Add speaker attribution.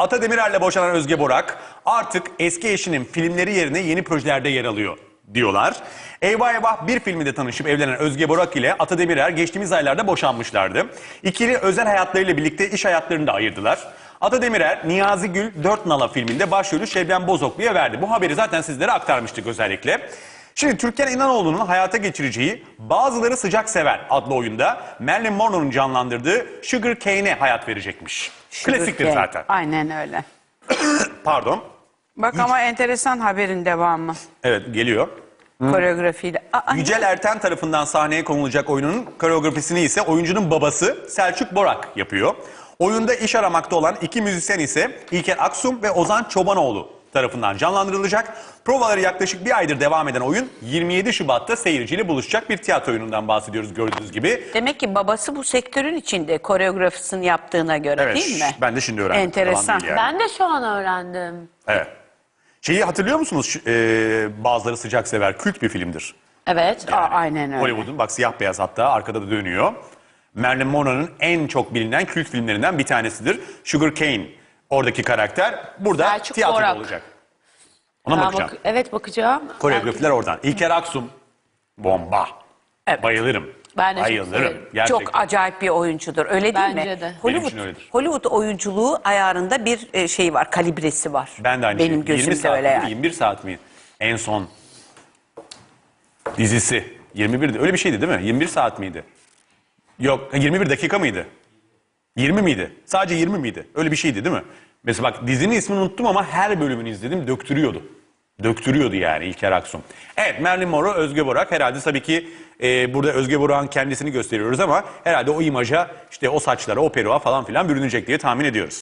Speaker 1: Ata Demirer'le boşanan Özge Borak artık eski eşinin filmleri yerine yeni projelerde yer alıyor diyorlar. Eyvah Eyvah bir filminde tanışıp evlenen Özge Borak ile Ata Demirer geçtiğimiz aylarda boşanmışlardı. İkili özel hayatlarıyla birlikte iş hayatlarını da ayırdılar. Ata Demirer, Niyazi Gül 4 Nala filminde başrolü Şebnem Bozoklu'ya verdi. Bu haberi zaten sizlere aktarmıştık özellikle. Şimdi Türkan İnanoğlu'nun hayata geçireceği Bazıları Sıcak Sever adlı oyunda Marilyn Monroe'nun canlandırdığı Sugar Cane'e hayat verecekmiş. Klasiktir zaten.
Speaker 2: Aynen öyle.
Speaker 1: Pardon.
Speaker 2: Bak ama enteresan haberin devamı.
Speaker 1: Evet, geliyor.
Speaker 2: Koreografiyle.
Speaker 1: Yücel Erten tarafından sahneye konulacak oyunun koreografisini ise oyuncunun babası Selçuk Borak yapıyor. Oyunda iş aramakta olan iki müzisyen ise İlker Aksum ve Ozan Çobanoğlu tarafından canlandırılacak. Provaları yaklaşık bir aydır devam eden oyun 27 Şubat'ta seyirciyle buluşacak bir tiyatro oyunundan bahsediyoruz gördüğünüz gibi.
Speaker 2: Demek ki babası bu sektörün içinde koreografisini yaptığına göre
Speaker 1: Evet,
Speaker 2: değil mi?
Speaker 1: ben de şimdi öğrendim.
Speaker 2: Enteresan.
Speaker 1: Yalan değil yani.
Speaker 3: Ben de şu an öğrendim.
Speaker 1: Evet. Şeyi hatırlıyor musunuz? Bazıları Sıcak Sever kült bir filmdir.
Speaker 3: Evet.
Speaker 2: Aynen öyle.
Speaker 1: Hollywood'un bak siyah beyaz hatta arkada da dönüyor. Marilyn Monroe'nun en çok bilinen kült filmlerinden bir tanesidir. Sugar Cane oradaki karakter burada
Speaker 3: Selçuk
Speaker 1: tiyatroda
Speaker 3: Borak.
Speaker 1: olacak. Ona mı bakacağım?
Speaker 3: Evet, bakacağım.
Speaker 1: Koreografiler oradan. İlker Aksum bomba.
Speaker 2: Evet.
Speaker 1: Bayılırım.
Speaker 3: Ben de çok
Speaker 1: Bayılırım.
Speaker 3: severim.
Speaker 1: Gerçekten.
Speaker 2: Çok acayip bir oyuncudur. Öyle değil
Speaker 3: Bence
Speaker 2: mi?
Speaker 3: de.
Speaker 1: Benim için öyledir.
Speaker 2: Hollywood oyunculuğu ayarında bir şey var, kalibresi var.
Speaker 1: Ben de aynı
Speaker 2: Benim
Speaker 1: şey. 20
Speaker 2: gözümde
Speaker 1: saat
Speaker 2: öyle
Speaker 1: miydi,
Speaker 2: yani.
Speaker 1: 21 saat mi? En son dizisi. 21'di. Öyle bir şeydi değil mi? 21 saat miydi? Yok, 21 dakika mıydı? 20 miydi? Sadece 20 miydi? Öyle bir şeydi değil mi? Mesela bak dizinin ismini unuttum ama her bölümünü izledim. Döktürüyordu. Döktürüyordu yani İlker Aksum. Evet, Marilyn Monroe, Özge Borak. Herhalde tabii ki burada Özge Borak'ın kendisini gösteriyoruz ama herhalde o imaja, işte o saçlara, o peruğa falan filan bürünecek diye tahmin ediyoruz.